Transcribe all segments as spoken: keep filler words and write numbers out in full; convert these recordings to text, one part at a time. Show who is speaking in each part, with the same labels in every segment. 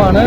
Speaker 1: ਪ੍ਰਧਾਨ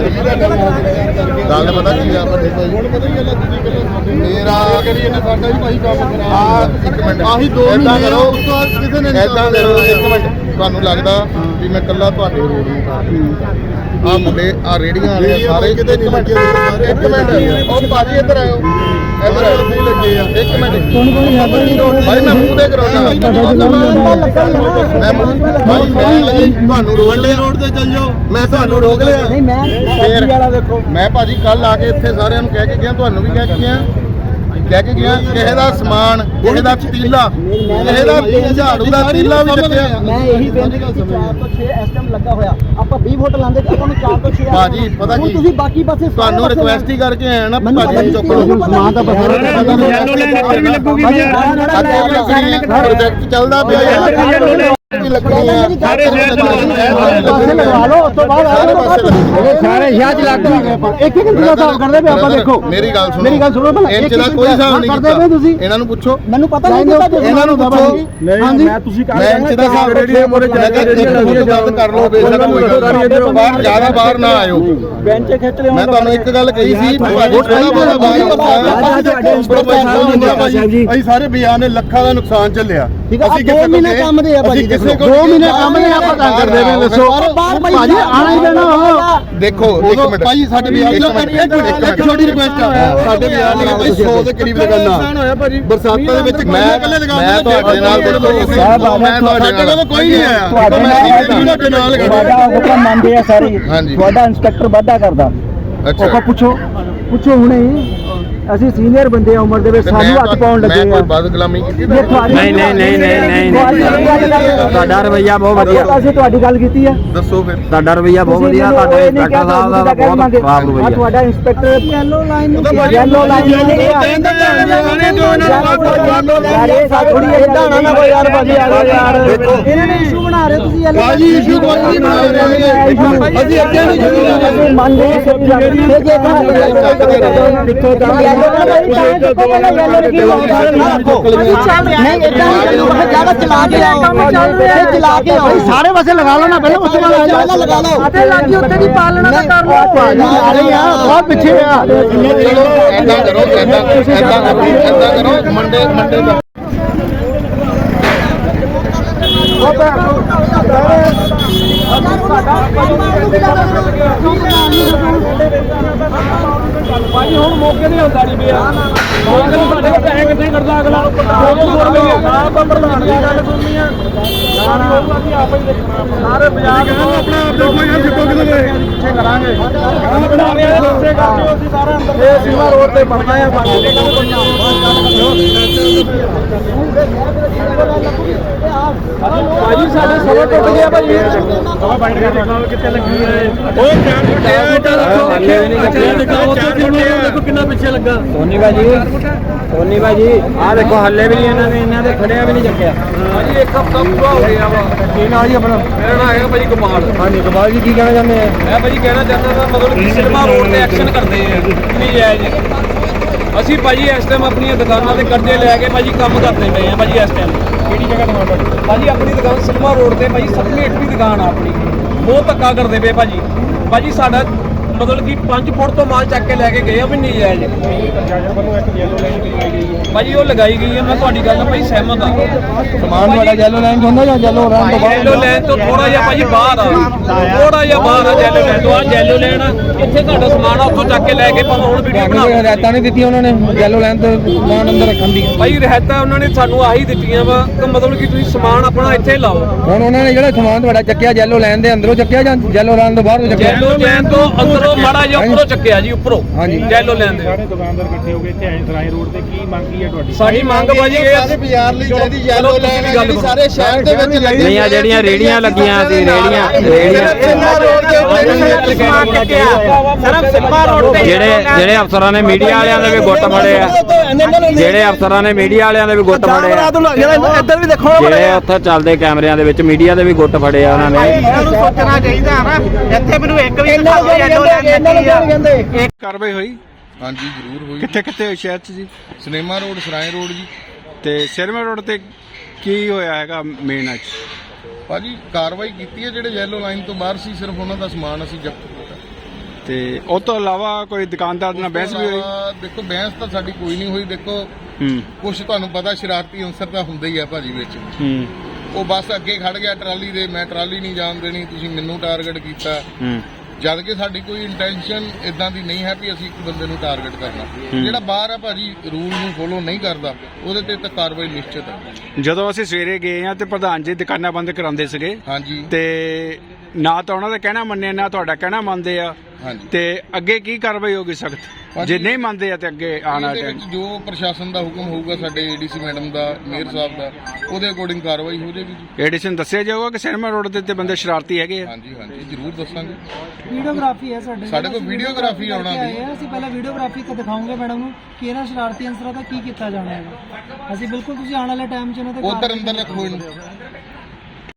Speaker 1: ਗੱਲ ਪਤਾ ਕੀ ਆ ਵੱਡੇ ਭਾਈ ਮੇਰਾ ਸਾਡਾ ਵੀ ਭਾਈ ਕੰਮ ਖਰਾਬ ਇੱਕ ਮਿੰਟ ਆਹੀ ਦੋ ਮਹੀਨੇ ਕਰੋ ਕਿਸੇ ਨੇ ਇਦਾਂ ਕਰੋ ਇੱਕ ਮਿੰਟ ਤੁਹਾਨੂੰ ਲੱਗਦਾ ਵੀ ਮੈਂ ਇਕੱਲਾ ਤੁਹਾਡੇ ਰੋਡ ਨੂੰ ਕਰ ਆ ਮੁੰਡੇ ਆ ਰੇੜੀਆਂ ਵਾਲੇ ਸਾਰੇ ਕਿਤੇ ਨਹੀਂ ਲੱਗੇ ਇੱਕ ਮਿੰਟ ਉਹ ਭਾਜੀ ਇੱਧਰ ਆਇਓ ਇੱਧਰ ਆਇਓ ਨਹੀਂ ਲੱਗੇ ਆ ਇੱਕ ਮਿੰਟ ਭਾਈ ਮੈਂ ਮੂੰਹ ਤੇ ਕਰਾਉਣਾ ਮੈਂ ਭਾਈ ਮੈਂ ਤੁਹਾਨੂੰ ਰੋਡ ਲੈ ਰੋਡ ਤੇ ਚੱਲ ਜਾਓ ਮੈਂ ਤੁਹਾਨੂੰ ਰੋਕ ਲਿਆ ਨਹੀਂ ਮੈਂ ਫੇਰ ਵਾਲਾ ਦੇਖੋ ਮੈਂ ਭਾਜੀ ਕੱਲ ਆ ਕੇ ਇੱਥੇ ਸਾਰਿਆਂ ਨੂੰ ਕਹਿ ਕੇ ਗਿਆ ਤੁਹਾਨੂੰ ਵੀ ਕਹਿ ਕੇ ਗਿਆ ਕਹਿ ਕੇ ਗਿਆ ਕਿਸੇ ਦਾ ਸਮਾਨ ਕਿਸੇ ਦਾ ਪਤੀਲਾ ਕਿਸੇ ਦਾ ਝਾੜੂ ਦਾ ਪਤੀਲਾ ਵੀ ਚੱਕਿਆ
Speaker 2: ਮੈਂ ਇਹੀ ਬੇਨਤੀ ਕਰਦਾ ਚਾਰ ਤੋਂ ਛੇ ਇਸ ਟਾਈਮ ਲੱਗਾ ਹੋਇਆ ਆਪਾਂ ਵੀਹ ਫੁੱਟ ਲਾਂਦੇ ਆਪਾਂ ਨੂੰ ਚਾਰ ਤੋਂ ਛੇ
Speaker 1: ਭਾਜੀ ਪਤਾ ਕੀ
Speaker 2: ਤੁਸੀਂ ਬਾਕੀ ਪਾਸੇ
Speaker 1: ਤੁਹਾਨੂੰ ਰਿਕੁਐਸਟ ਹੀ ਕਰਕੇ ਆਇਆ ਨਾ ਭਾਜੀ ਚੁੱਕ ਲਓ
Speaker 2: ਸਮਾਨ ਤਾਂ ਬਥੇਰਾ
Speaker 1: ਯੈਲੋ ਲਾਈਨ ਇੱਧਰ ਵੀ ਲੱਗੂਗੀ ਪ੍ਰੋਜੈਕਟ ਚੱਲਦਾ ਪਿਆ ਯਾਰ
Speaker 2: ਸਾਰੇ ਲਗਵਾ ਲਓ ਉਸ ਤੋਂ ਬਾਅਦ ਸਾਰੇ ਸ਼ਹਿਰ ਚ ਲੱਗ ਗਏ ਇੱਕ ਇੱਕ ਦਿਨ ਦਾ ਕਰਦੇ ਪਏ ਆਪਾਂ ਦੇਖੋ
Speaker 1: ਮੇਰੀ ਗੱਲ ਸੁਣੋ
Speaker 2: ਮੇਰੀ ਗੱਲ ਸੁਣੋ ਭਲਾ
Speaker 1: ਇੰਚ ਦਾ ਕੋਈ ਹਿਸਾਬ ਨਹੀਂ
Speaker 2: ਕਰਦੇ ਪਏ ਤੁਸੀਂ
Speaker 1: ਇਹਨਾਂ ਨੂੰ ਪੁੱਛੋ
Speaker 2: ਮੈਨੂੰ ਪਤਾ ਨਹੀਂ
Speaker 1: ਇਹਨਾਂ ਨੂੰ ਪੁੱਛੋ
Speaker 2: ਹਾਂਜੀ
Speaker 1: ਮੈਂ ਤੁਸੀਂ ਕਰ ਮੈਂ ਇੰਚ ਦਾ ਹਿਸਾਬ ਰੇਡੀਓ ਮੋਰੇ ਜਾ ਕੇ ਗੱਲ ਕਰ ਲਓ ਬੇਸ਼ੱਕ ਕੋਈ ਗੱਲ ਬਾਹਰ ਜ਼ਿਆਦਾ ਬਾਹਰ ਨਾ ਆਇਓ
Speaker 2: ਬੈਂਚ ਖਿੱਚ ਲਿਓ
Speaker 1: ਮੈਂ ਤੁਹਾਨੂੰ ਇੱਕ ਗੱਲ ਕਹੀ ਸੀ ਅਸੀਂ ਸਾਰੇ ਬਾਜ਼ਾਰ ਨੇ ਲੱਖਾਂ ਦਾ ਨੁਕਸਾਨ ਝੱਲਿਆ
Speaker 2: ਅਸੀਂ ਦੋ ਮਹੀਨੇ ਕੰਮ ਦੇ ਆ ਭਾਜੀ
Speaker 1: ਕਿਸੇ
Speaker 2: ਦੋ ਮਹੀਨੇ ਕੰਮ ਦੇ ਆਪਾਂ ਕੰਮ ਕਰਦੇ ਪਏ ਦੱਸੋ ਭਾਜੀ ਆਣਾ ਹੀ ਦੇਣਾ
Speaker 1: ਦੇਖੋ ਇੱਕ ਮਿੰਟ ਭਾਜੀ ਸਾਡੇ ਬਾਜ਼ਾਰ ਦੀ ਇੱਕ ਛੋਟੀ ਰਿਕੁਐਸਟ ਆ ਸਾਡੇ ਬਾਜ਼ਾਰ ਦੀ ਭਾਈ ਸੌ ਦੇ ਕਰੀਬ ਲਗਾਨਾ ਬਰਸਾਤਾਂ ਦੇ ਵਿੱਚ ਮੈਂ ਮੈਂ ਤੁਹਾਡੇ ਨਾਲ ਦੇਖੋ ਮੈਂ ਤੁਹਾਡੇ ਨਾਲ ਕੋਈ ਨਹੀਂ ਆਇਆ ਤੁਹਾਡੇ ਨਾਲ
Speaker 2: ਤੁਹਾਡਾ ਹੁਕਮ ਮੰਨਦੇ ਆ ਸਾਰੇ ਤੁਹਾਡਾ ਇੰਸਪੈਕਟਰ ਵਾਧਾ ਕਰਦਾ ਉਹ ਪੁੱਛੋ ਪੁੱਛੋ ਹੁਣੇ ਅਸੀਂ ਸੀਨੀਅਰ ਬੰਦੇ ਆ ਉਮਰ ਦੇ ਵਿੱਚ ਸਾਨੂੰ ਹੱਥ ਪਾਉਣ ਲੱਗੇ ਆ
Speaker 1: ਮੈਂ ਕੋਈ ਬਦਗਲਾਮੀ ਕੀਤੀ
Speaker 3: ਨਹੀਂ ਨਹੀਂ ਨਹੀਂ ਨਹੀਂ ਨਹੀਂ ਤੁਹਾਡਾ ਰਵਈਆ ਬਹੁਤ ਵਧੀਆ
Speaker 2: ਅਸੀਂ ਤੁਹਾਡੀ ਗੱਲ ਕੀਤੀ ਆ
Speaker 1: ਦੱਸੋ ਫਿਰ
Speaker 3: ਤੁਹਾਡਾ ਰਵਈਆ ਬਹੁਤ ਵਧੀਆ ਤੁਹਾਡੇ ਇੰਸਪੈਕਟਰ ਸਾਹਿਬ ਦਾ ਬਹੁਤ ਖਰਾਬ ਰਵਈਆ
Speaker 2: ਤੁਹਾਡਾ inspector yellow line yellow line ਯਾਰ ਇਹ ਸਾਥੋੜੀ ਇਦਾਂ ਨਾ ਕੋਈ ਯਾਰ ਭਾਜੀ ਆ ਯਾਰ ਇਹਨਾਂ ਨੇ ਇਸ਼ੂ ਬਣਾ ਰਹੇ ਤੁਸੀਂ ਯੈਲੋ
Speaker 1: ਭਾਜੀ ਇਸ਼ੂ ਕੋਈ ਨਹੀਂ ਬਣਾ ਰਹੇ ਅਸੀਂ ਅੱਗੇ ਨਹੀਂ
Speaker 2: ਸ਼ੁਰੂ ਮੰਨ ਲੈ ਦੇਖੋ ਤਾਂ ਸਾਰੇ ਪਾਸੇ ਲਗਾ ਲਓ ਨਾ ਪਹਿਲਾਂ ਉਸ ਤੋਂ ਬਾਅਦ ਲਗਾ ਲਓ ਆਟੇ ਲੱਗੀ ਉੱਤੇ ਦੀ ਪਾਲਣਾ ਦਾ ਕਰ ਲਓ ਨਾਲੇ ਆ ਬਹੁਤ ਪਿੱਛੇ ਆ
Speaker 1: ਚਲੋ ਐਦਾਂ ਕਰੋ ਐਦਾਂ ਐਦਾਂ ਕਰੋ ਐਦਾਂ ਕਰੋ ਮੰਡੇ ਮੰਡੇ ਦਾ
Speaker 4: ਭਾਜੀ ਹੁਣ ਮੌਕੇ ਨਹੀਂ ਹੁੰਦਾ ਨਹੀਂ ਪਿਆ ਮੌਕੇ ਨੂੰ ਸਾਡੇ ਕੋਲ ਪੈਸੇ ਕਿੱਥੇ ਕਰਦਾ ਅਗਲਾ ਦੋ ਦੋ ਸੌ ਰੁਪਏ ਨਾ ਆਪਾਂ ਪ੍ਰਧਾਨ ਦੀ ਗੱਲ ਸੁਣਨੀ ਆ ਨਾ ਨਾ ਅਸੀਂ ਆਪ ਹੀ ਦੇਖਣਾ ਸਾਰੇ ਬਾਜ਼ਾਰ ਨੂੰ ਆਪਣਾ ਆਪਣਾ ਕੋਈ ਨਾ ਜਿੱਤੋ ਕਿਤੇ ਪਿੱਛੇ ਕਰਾਂਗੇ ਕੰਮ ਬਣਾ ਰਹੇ ਆ ਪਿੱਛੇ ਕਰਕੇ ਅਸੀਂ ਸਾਰਾ ਅੰਦਰ ਇਹ ਸੀਮਾ ਰੋਡ ਤੇ ਬਣਨਾ ਆ ਬਾਕੀ ਦੇ ਕੰਮ ਕੋਈ ਭਾਜੀ ਸਾਡੇ ਸਵਾ ਟੁੱਟ ਗਿਆ ਭਾਜੀ ਸਵਾ ਬਣ ਗਿਆ ਦੇਖੋ ਕਿੱਥੇ ਲੱਗੀ ਹੈ ਓਏ ਚਾਰ ਫੁੱਟ ਹੱਲੇ ਵੀ ਨਹੀਂ ਲੱਗਿਆ ਦੇਖੋ ਕਿੰਨਾ ਪਿੱਛੇ ਲੱਗਾ
Speaker 3: ਸੋਨੀ ਭਾਜੀ ਸੋਨੀ ਭਾਜੀ ਆਹ ਦੇਖੋ ਹੱਲੇ ਵੀ ਨਹੀਂ ਇਹਨਾਂ ਨੇ ਇਹਨਾਂ ਦੇ ਖੜਿਆ ਵੀ ਨਹੀਂ ਚੱਕਿਆ
Speaker 4: ਭਾਜੀ ਇੱਕ ਹਫ਼ਤਾ ਪੂਰਾ ਹੋ ਗਿਆ ਵਾ
Speaker 3: ਕੀ ਨਾਂ ਜੀ ਆਪਣਾ
Speaker 4: ਮੇਰਾ ਨਾਮ ਹੈਗਾ ਭਾਜੀ ਕਮਾਲ
Speaker 3: ਹਾਂਜੀ ਕਮਾਲ ਜੀ ਕੀ ਕਹਿਣਾ ਚਾਹੁੰਦੇ ਆ
Speaker 4: ਮੈਂ ਭਾਜੀ ਕਹਿਣਾ ਚਾਹੁੰਦਾ ਤਾਂ ਮਤਲਬ ਕਿ ਸਿਨੇਮਾ ਰੋਡ ਤੇ ਐਕਸ਼ਨ ਕਰਦੇ ਆ ਨਹੀਂ ਜਾਇਜ਼ ਅਸੀਂ ਭਾਜੀ ਇਸ ਟਾਈਮ ਆਪਣੀਆਂ ਦੁਕਾਨਾਂ ਤੇ ਕਰਜ਼ੇ ਲੈ ਕੇ ਭਾਜੀ ਕੰਮ ਕਰਦੇ ਪਏ ਆ ਭਾਜੀ ਇਸ ਟਾਈਮ ਕਿਹੜੀ ਜਗ੍ਹਾ ਦੁਕਾਨ ਭਾਜੀ ਭਾਜੀ ਆਪਣੀ ਦੁਕਾਨ ਸਿਨੇਮਾ ਰੋਡ ਤੇ ਭਾਜੀ ਸੱਤਵੀਂ ਅੱਠਵੀਂ ਦੁਕਾਨ ਆ ਆਪਣੀ ਬਹੁਤ ਧੱਕਾ ਕਰਦੇ ਪਏ ਭਾਜੀ ਭਾਜੀ ਸਾਡਾ ਮਤਲਬ ਕਿ ਪੰਜ ਫੁੱਟ ਤੋਂ ਮਾਲ ਚੱਕ ਕੇ ਲੈ ਕੇ ਗਏ ਆ ਵੀ ਨਹੀਂ ਜਾਇਜ਼ ਭਾਜੀ ਉਹ ਲਗਾਈ ਗਈ ਹੈ ਮੈਂ ਤੁਹਾਡੀ ਗੱਲ ਨਾਲ ਭਾਈ ਸਹਿਮਤ ਆ
Speaker 3: ਸਮਾਨ ਤੁਹਾਡਾ ਯੈਲੋ ਲਾਈਨ ਤੋਂ ਹੁੰਦਾ ਜਾਂ ਯੈਲੋ ਲਾਈਨ ਤੋਂ ਬਾਹਰ
Speaker 4: ਯੈਲੋ ਲਾਈਨ ਤੋਂ ਥੋੜਾ ਜਿਹਾ ਭਾਜੀ ਬਾਹਰ ਆ ਥੋੜਾ ਜਿਹਾ ਬਾਹਰ ਆ ਯੈਲੋ ਲਾਈਨ ਤੋਂ ਆ ਯੈਲੋ ਲਾਈਨ ਇੱਥੇ ਤੁਹਾਡਾ ਸਮਾਨ ਆ ਉੱਥੋਂ ਚੱਕ ਕੇ ਲੈ ਕੇ ਭਾਵੇਂ ਹੁਣ ਵੀਡੀਓ ਬਣਾ
Speaker 3: ਹਦਾਇਤਾਂ ਨਹੀਂ ਦਿੱਤੀਆਂ ਉਹਨਾਂ ਨੇ ਯੈਲੋ ਲਾਈਨ ਤੋਂ ਸਮਾਨ ਅੰਦਰ ਰੱਖਣ ਦੀ
Speaker 4: ਭਾਈ ਰਹਿਤਾ ਉਹਨਾਂ ਨੇ ਸਾਨੂੰ ਆਹੀ ਦਿੱਤੀਆਂ ਵਾ ਕਿ ਮਤਲਬ ਕਿ ਤੁਸੀਂ ਸਮਾਨ ਆਪਣਾ ਇੱਥੇ ਲਾਓ
Speaker 3: ਹੁਣ ਉਹਨਾਂ ਨੇ ਜਿਹੜਾ ਸਮਾਨ ਤੁਹਾਡਾ ਚੱਕਿਆ ਯੈਲੋ ਲਾਈਨ ਦੇ ਅੰਦਰੋਂ ਚੱਕਿਆ ਜਾਂ ਯੈਲੋ ਲਾਈਨ ਤੋਂ ਬਾਹਰੋਂ ਚੱਕਿਆ
Speaker 4: ਯੈਲੋ ਲਾਈਨ ਤੋਂ ਅੰਦਰੋਂ ਮਾੜਾ ਜਿਹਾ ਉੱਪਰੋਂ ਚੱਕਿਆ ਜੀ ਉੱਪਰੋਂ
Speaker 3: ਹਾਂਜੀ
Speaker 4: ਯੈਲੋ ਲਾਈਨ ਦੇ
Speaker 5: ਸਾਰੇ ਦੁਕਾਨਦਾਰ ਇਕੱਠੇ ਹੋ ਗਏ ਇੱਥੇ ਆਏ ਸਰਾਏ ਰੋਡ ਤੇ ਕੀ ਮੰਗ ਕੀ ਹੈ ਤੁਹਾਡੀ
Speaker 4: ਸਾਡੀ ਮੰਗ ਭਾਜੀ ਇਹ
Speaker 1: ਸਾਰੇ ਬਾਜ਼ਾਰ ਲਈ ਚਾਹੀਦੀ ਯੈਲੋ ਲਾਈਨ ਜਿਹੜੀ ਸਾਰੇ ਸ਼ਹਿਰ ਦੇ ਵਿੱਚ ਲੱਗੀ
Speaker 3: ਨਹੀਂ ਆ ਜਿਹੜੀਆਂ ਰੇੜੀਆਂ ਲੱਗੀਆਂ ਸੀ ਰੇੜੀਆਂ ਜਿਹੜੇ ਜਿਹੜੇ ਅਫਸਰਾਂ ਨੇ ਮੀਡੀਆ ਵਾਲਿਆਂ ਦੇ ਵੀ ਗੁੱਟ ਫੜੇ ਆ ਜਿਹੜੇ ਅਫਸਰਾਂ ਨੇ ਮੀਡੀਆ ਵਾਲਿਆਂ ਦੇ ਵੀ ਗੁੱਟ ਫੜੇ ਆ
Speaker 2: ਇੱਧਰ ਵੀ ਦੇਖੋ
Speaker 3: ਜਿਹੜੇ ਉੱਥੇ ਚੱਲਦੇ ਕੈਮਰਿਆਂ ਦੇ ਵਿੱਚ ਮੀਡੀਆ ਦੇ ਵੀ ਗੁੱਟ ਫੜੇ ਆ ਉਹਨਾਂ ਨੇ
Speaker 2: ਸੋਚਣਾ ਚਾਹੀਦਾ ਨਾ ਇੱਥੇ ਮੈਨੂੰ ਇੱਕ ਵੀ ਯੈਲੋ ਲਾਈਨ
Speaker 5: ਕਾਰਵਾਈ ਹੋਈ
Speaker 1: ਹਾਂਜੀ ਜ਼ਰੂਰ ਹੋਈ
Speaker 5: ਕਿੱਥੇ ਕਿੱਥੇ ਸ਼ਹਿਰ ਚ ਜੀ
Speaker 1: ਸਿਨੇਮਾ ਰੋਡ ਸਰਾਏ ਰੋਡ ਜੀ
Speaker 5: ਤੇ ਸਿਨੇਮਾ ਰੋਡ ਤੇ ਕੀ ਹੋਇਆ ਹੈਗਾ ਮੇਨ ਅੱਜ
Speaker 1: ਭਾਜੀ ਕਾਰਵਾਈ ਕੀਤੀ ਹੈ ਜਿਹੜੇ ਯੈਲੋ ਲਾਈਨ ਤੋਂ ਬਾਹਰ ਸੀ ਸਿਰਫ ਉਹਨਾਂ ਦਾ ਸਮਾਨ ਅਸੀਂ ਜ਼ਬਤ ਕੀਤਾ
Speaker 5: ਤੇ ਉਹ ਤੋਂ ਇਲਾਵਾ ਕੋਈ ਦੁਕਾਨਦਾਰ ਨਾਲ ਬਹਿਸ ਵੀ ਹੋਈ?
Speaker 1: ਅਹ ਦੇਖੋ ਬਹਿਸ ਤਾਂ ਸਾਡੀ ਕੋਈ ਨਹੀਂ ਹੋਈ। ਦੇਖੋ
Speaker 5: ਹੂੰ
Speaker 1: ਕੁਛ ਤੁਹਾਨੂੰ ਪਤਾ ਸ਼ਰਾਰਤੀ ਅੰਸਰ ਤਾਂ ਹੁੰਦੇ ਹੀ ਆ ਭਾਜੀ ਵਿੱਚ।
Speaker 5: ਹੂੰ
Speaker 1: ਉਹ ਬੱਸ ਅੱਗੇ ਖੜ ਗਿਆ ਟਰਾਲੀ ਦੇ, ਮੈਂ ਟਰਾਲੀ ਨਹੀਂ ਜਾਣ ਦੇਣੀ, ਤੁਸੀਂ ਮੈਨੂੰ ਟਾਰਗੇਟ ਕੀਤਾ।
Speaker 5: ਹੂੰ
Speaker 1: ਜਦ ਕਿ ਸਾਡੀ ਕੋਈ ਇੰਟੈਂਸ਼ਨ ਇਦਾਂ ਦੀ ਨਹੀਂ ਹੈ ਵੀ ਅਸੀਂ ਇੱਕ ਬੰਦੇ ਨੂੰ ਟਾਰਗੇਟ ਕਰਨਾ। ਜਿਹੜਾ ਬਾਹਰ ਆ ਭਾਜੀ ਰੂਲ ਨੂੰ ਫੋਲੋ ਨਹੀਂ ਕਰਦਾ ਉਹਦੇ ਤੇ ਤਾਂ ਕਾਰਵਾਈ ਨਿਸ਼ਚਿਤ ਹੈ।
Speaker 5: ਜਦੋਂ ਅਸੀਂ ਸਵੇਰੇ ਗਏ ਆ ਤੇ ਪ੍ਰਧਾਨ ਜੀ ਦੁਕਾਨਾਂ ਬੰਦ ਕਰਾਉਂਦੇ ਸੀਗੇ
Speaker 1: ਹਾਂਜੀ
Speaker 5: ਤੇ ਨਾ ਤਾਂ ਉਹਨਾਂ ਦਾ ਕਹਿਣਾ ਮੰਨਿਆ ਨਾ ਤੁਹਾਡਾ ਕਹਿਣਾ ਮੰਨਦੇ ਆ,
Speaker 1: ਹਾਂਜੀ।
Speaker 5: ਤੇ ਅੱਗੇ ਕੀ ਕਾਰਵਾਈ ਹੋਗੀ ਸਖਤ? ਜੇ ਨਹੀਂ ਮੰਨਦੇ ਆ ਤੇ ਅੱਗੇ ਆਣਾ
Speaker 1: ਇਹਦੇ ਵਿੱਚ ਜੋ ਪ੍ਰਸ਼ਾਸਨ ਦਾ ਹੁਕਮ ਹੋਊਗਾ, ਸਾਡੇ ਏਡੀਸੀ ਮੈਡਮ ਦਾ, ਮੇਅਰ ਸਾਹਿਬ ਦਾ, ਉਹਦੇ ਅਕੋਰਡਿੰਗ ਕਾਰਵਾਈ ਹੋ ਜਾਏਗੀ ਜੀ।
Speaker 5: ਐਡੀਸ਼ਨ ਦੱਸਿਆ ਜਾਊਗਾ ਕਿ ਸਿਨੇਮਾ ਰੋਡ ਦੇ ਉੱਤੇ ਬੰਦੇ ਸ਼ਰਾਰਤੀ ਹੈਗੇ ਆ?
Speaker 1: ਹਾਂਜੀ ਹਾਂਜੀ ਜ਼ਰੂਰ ਦੱਸਾਂਗੇ।
Speaker 6: ਵੀਡੀਓਗ੍ਰਾਫੀ ਹੈ ਸਾਡੇ
Speaker 1: ਸਾਡੇ ਕੋਲ ਵੀਡੀਓਗ੍ਰਾਫੀ ਆਉਣਾ
Speaker 6: ਆਏ
Speaker 1: ਦੀ।
Speaker 6: ਆ, ਅਸੀਂ ਪਹਿਲਾਂ ਵੀਡੀਓਗ੍ਰਾਫੀ ਤੇ ਦਿਖਾਉਂਗੇ ਮੈਡਮ ਨੂੰ ਕਿ ਇਹਨਾਂ ਸ਼ਰਾਰਤੀ ਅੰਸਰਾਂ ਦਾ ਕੀ ਕੀਤਾ ਜਾਣਾ ਹੈਗਾ। ਅਸੀਂ ਬਿਲਕੁਲ ਤੁਸੀਂ ਆਉਣ ਵਾਲੇ ਟਾਈਮ 'ਚ ਇਹਨਾਂ ਤੇ
Speaker 1: ਉਧਰ ਅੰਦਰ ਰੱਖੋ ਇਹਨੂੰ।